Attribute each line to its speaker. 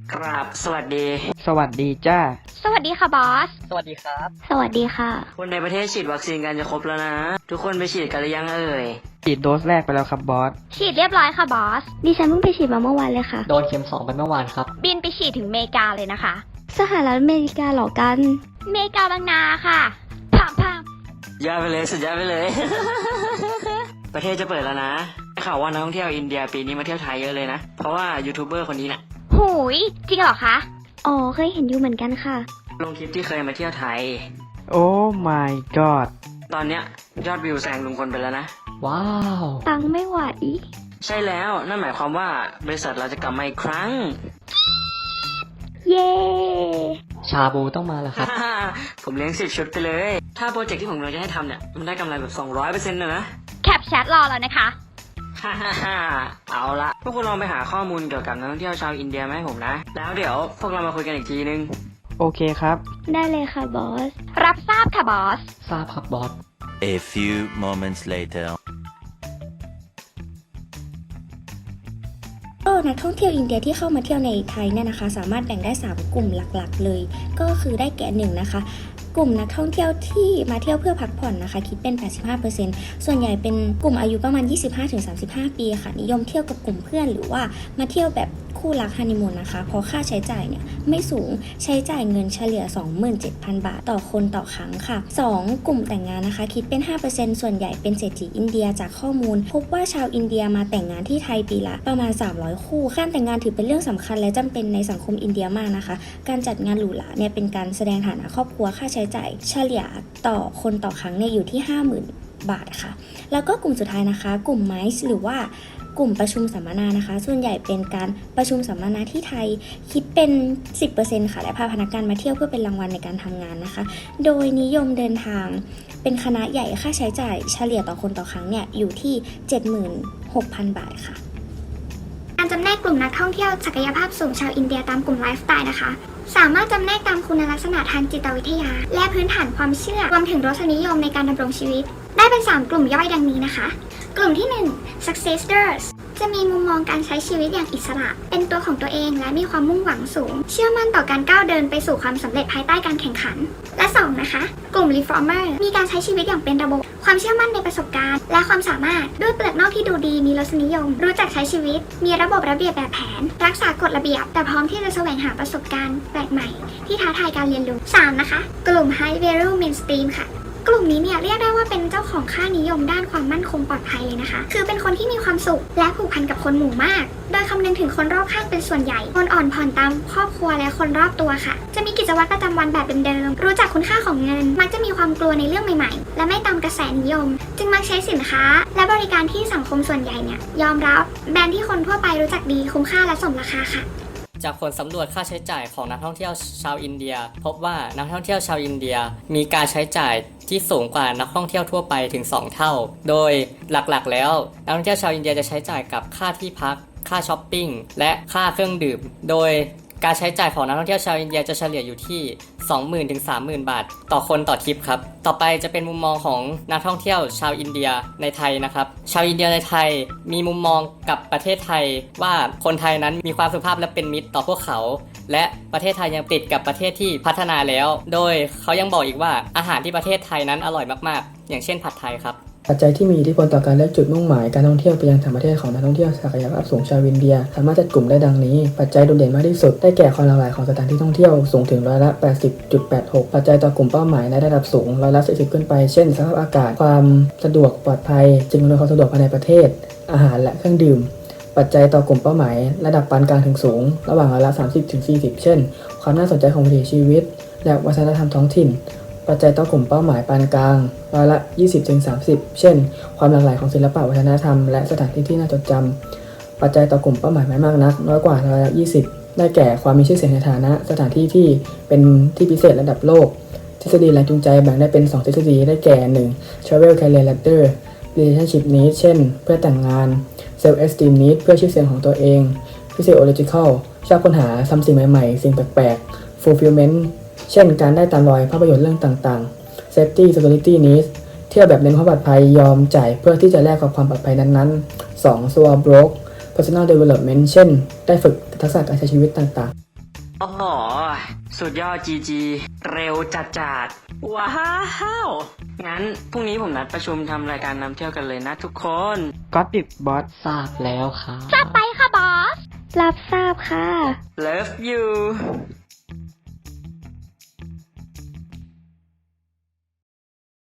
Speaker 1: ครับสวัสดี
Speaker 2: สวัสดีจ้า
Speaker 3: สวัสดีค่ะบอส
Speaker 4: สวัสดีครับ
Speaker 3: สวัสดีค่ะ
Speaker 1: คนในประเทศฉีดวัคซีนกันจะครบแล้วนะทุกคนไปฉีดกันหรือยังเอ่ย
Speaker 2: ฉีดโดสแรกไปแล้วครับบอส
Speaker 3: ฉีดเรียบร้อยค่ะบอส
Speaker 5: ดิฉันเพิ่งไปฉีดมาเมื่อวานเลยค่ะ
Speaker 4: โดนเข็ม2ไปเมื่อวานครับ
Speaker 3: บินไปฉีดถึงอเมริกาเลยนะคะ
Speaker 5: สหรัฐอเมริกาหรอกัน
Speaker 3: อเมริกาบางนาค่ะพัง
Speaker 1: ยอดไปเลยสุดยอดไปเลย ประเทศจะเปิดแล้วนะข่าวว่านักท่องเที่ยวอินเดียปีนี้มาเที่ยวไทยเยอะเลยนะเพราะว่ายูทูบเบอร์คนนี้น่ะ
Speaker 3: หูยจริงเหรอคะ
Speaker 5: อ๋อเคยเห็นอยู่เหมือนกันค่ะ
Speaker 1: ลงคลิปที่เคยมาเที่ยวไทย
Speaker 2: โอ้ my god
Speaker 1: ตอนเนี้ยยอดวิวแซงลุงพลไปแล้วนะ
Speaker 4: ว้าว
Speaker 5: ตังไม่ไหว
Speaker 1: ใช่แล้วนั่นหมายความว่าบริษัทเราจะกลับมาอีกครั้ง
Speaker 5: เย้
Speaker 4: ชาบูต้องมาแล้วครับ
Speaker 1: ผมเลี้ยง10 ชุดไปเลยถ้าโปรเจกต์ที่ผมกำลังจะให้ทำเนี่ยมันได้กำไรแบบ 200% เลยนะ
Speaker 3: แคปแชทรอแล้วนะคะ
Speaker 1: เอาละพวกคุณลองไปหาข้อมูลเกี่ยวกับนักท่องเที่ยวชาวอินเดียมาให้ผมนะแล้วเดี๋ยวพวกเรามาคุยกันอีกทีนึง
Speaker 2: โอเคครับ
Speaker 5: ได้เลยค่ะบอส
Speaker 3: รับทราบค่ะบอส
Speaker 4: ทราบครับบอส
Speaker 6: A few moments later
Speaker 7: นักท่องเที่ยวอินเดียที่เข้ามาเที่ยวในไทยเนี่ยนะคะสามารถแบ่งได้3กลุ่มหลักๆเลยก็คือได้แก่1นะคะกลุ่มนักท่องเที่ยวที่มาเที่ยวเพื่อพักผ่อนนะคะคิดเป็น 85% ส่วนใหญ่เป็นกลุ่มอายุประมาณ 25-35 ปีค่ะนิยมเที่ยวกับกลุ่มเพื่อนหรือว่ามาเที่ยวแบบคู่รักฮันนีมูนนะคะเพราะค่าใช้จ่ายเนี่ยไม่สูงใช้จ่ายเงินเฉลี่ย 27,000 บาทต่อคนต่อครั้งค่ะ2กลุ่มแต่งงานนะคะคิดเป็น 5% ส่วนใหญ่เป็นเศรษฐีอินเดียจากข้อมูลพบว่าชาวอินเดียมาแต่งงานที่ไทยปีละประมาณ300คู่การแต่งงานถือเป็นเรื่องสำคัญและจำเป็นในสังคมอินเดียมากนะคะการจัดงานหรูหราเนี่ยเป็นการแสดงฐานะครอบครัวค่าใช้จ่ายเฉลี่ยต่อคนต่อครั้งเนี่ยอยู่ที่ 50,000 บาทค่ะแล้วก็กลุ่มสุดท้ายนะคะกลุ่มไมซ์หรือว่ากลุ่มประชุมสัมมนานะคะส่วนใหญ่เป็นการประชุมสัมมนาที่ไทยคิดเป็น 10% ค่ะและพาพนักงานมาเที่ยวเพื่อเป็นรางวัลในการทำงานนะคะโดยนิยมเดินทางเป็นคณะใหญ่ค่าใช้จ่ายเฉลี่ยต่อคนต่อครั้งเนี่ยอยู่ที่ 76,000 บาทค่ะ
Speaker 8: การจำแนกกลุ่มนักท่องเที่ยวศักยภาพสูงชาวอินเดียตามกลุ่มไลฟ์สไตล์นะคะสามารถจำแนกตามคุณลักษณะทางจิตวิทยาและพื้นฐานความเชื่อรวมถึงรสนิยมในการดำรงชีวิตได้เป็น3กลุ่มย่อยดังนี้นะคะกลุ่มที่1 Successors จะมีมุมมองการใช้ชีวิตอย่างอิสระเป็นตัวของตัวเองและมีความมุ่งหวังสูงเชื่อมั่นต่อการก้าวเดินไปสู่ความสำเร็จภายใต้การแข่งขันและ2นะคะกลุ่ม Reformer มีการใช้ชีวิตอย่างเป็นระบบความเชื่อมั่นในประสบการณ์และความสามารถด้วยเปลือกนอกที่ดูดีมีรสนิยมรู้จักใช้ชีวิตมีระบบระเบียบแบบแผนรักษากฎระเบียบแต่พร้อมที่จะแสวงหาประสบการณ์แปลกใหม่ที่ท้าทายการเรียนรู้3นะคะกลุ่ม High Value Mainstream ค่ะกลุ่มนี้เนี่ยเรียกได้ว่าเป็นเจ้าของค่านิยมด้านความมั่นคงปลอดภัยเลยนะคะคือเป็นคนที่มีความสุขและผูกพันกับคนหมู่มากโดยคำนึงถึงคนรอบข้างเป็นส่วนใหญ่คนอ่อนผ่อนตามครอบครัวและคนรอบตัวค่ะจะมีกิจวัตรประจำวันแบบเดิมๆรู้จักคุณค่าของเงินมักจะมีความกลัวในเรื่องใหม่ๆและไม่ตามกระแสนิยมจึงมักใช้สินค้าและบริการที่สังคมส่วนใหญ่เนี่ยยอมรับแบรนด์ที่คนทั่วไปรู้จักดีคุ้มค่าและสมราคาค่ะ
Speaker 4: จากผลสำรวจค่าใช้จ่ายของนักท่องเที่ยวชาวอินเดียพบว่านักท่องเที่ยวชาวอินเดียมีการใช้จ่ายที่สูงกว่านักท่องเที่ยวทั่วไปถึง2เท่าโดยหลักๆแล้วนักท่องเที่ยวชาวอินเดียจะใช้จ่ายกับค่าที่พักค่าช้อปปิ้งและค่าเครื่องดื่มโดยการใช้จ่ายของนักท่องเที่ยวชาวอินเดียจะเฉลี่ยอยู่ที่ 20,000 ถึง 30,000 บาทต่อคนต่อทริปครับต่อไปจะเป็นมุมมองของนักท่องเที่ยวชาวอินเดียในไทยนะครับชาวอินเดียในไทยมีมุมมองกับประเทศไทยว่าคนไทยนั้นมีความสุภาพและเป็นมิตรต่อพวกเขาและประเทศไทยยังติดกับประเทศที่พัฒนาแล้วโดยเขายังบอกอีกว่าอาหารที่ประเทศไทยนั้นอร่อยมากๆอย่างเช่นผัดไทยครับ
Speaker 9: ปัจจัยที่มีอิทธิพลต่อการเลือกจุดมุ่งหมายการท่องเที่ยวไปยังต่างประเทศของนักท่องเที่ยวศักยภาพสูงชาวอินเดียสามารถจัดกลุ่มได้ดังนี้ปัจจัยโดดเด่นมากที่สุดได้แก่ความหลากหลายของสถานที่ท่องเที่ยวสูงถึง80.86%ปัจจัยต่อกลุ่มเป้าหมายในระดับสูง40%ขึ้นไปเช่นสภาพอากาศความสะดวกปลอดภัยสิ่งอำนวยความสะดวกภายในประเทศอาหารและเครื่องดื่มปัจจัยต่อกลุ่มเป้าหมายระดับปานกลางถึงสูงระหว่าง30-40%เช่นความน่าสนใจของวิถีชีวิตและวัฒนธรรมท้องถิ่นปัจจัยต่อกลุ่มเป้าหมายปานกลาง20-30%เช่นความหลากหลายของศิลปะวัฒนธรรมและสถานที่ที่น่าจดจำปัจจัยต่อกลุ่มเป้าหมายไม่มากนักน้อยกว่า20%ได้แก่ความมีชื่อเสียงในฐานะสถานที่ที่เป็นที่พิเศษระดับโลกทฤษฎีแรงจูงใจแบ่งได้เป็น2ทฤษฎีได้แก่ 1. Travel Career Ladder Relationship Needs เช่นเพื่อแต่งงาน Self Esteem Needs เพื่อชื่อเสียงของตัวเอง Physiological ชอบค้นหาทำสิ่งใหม่ๆสิ่งแปลกๆ Fulfillmentเช่นการได้ตามรอยภาพยนตร์เรื่องต่างๆ Safety Security Needs เที่ยวแบบเน้นความปลอดภัยยอมจ่ายเพื่อที่จะแลกกับความปลอดภัยนั้นๆ 2. Soul Broke Personal Development เช่นได้ฝึกทักษะการใช้ชีวิตต่างๆ
Speaker 1: โอ้โหสุดยอดจีจีเร็วจัดว้าวงั้นพรุ่งนี้ผมนัดประชุมทำรายการนำเที่ยวกันเลยนะทุกคน
Speaker 2: ก็ติดบอส
Speaker 4: ทราบแล้วครับ
Speaker 3: จัดไปค่ะบอส
Speaker 5: รับทราบค่ะ
Speaker 1: Love you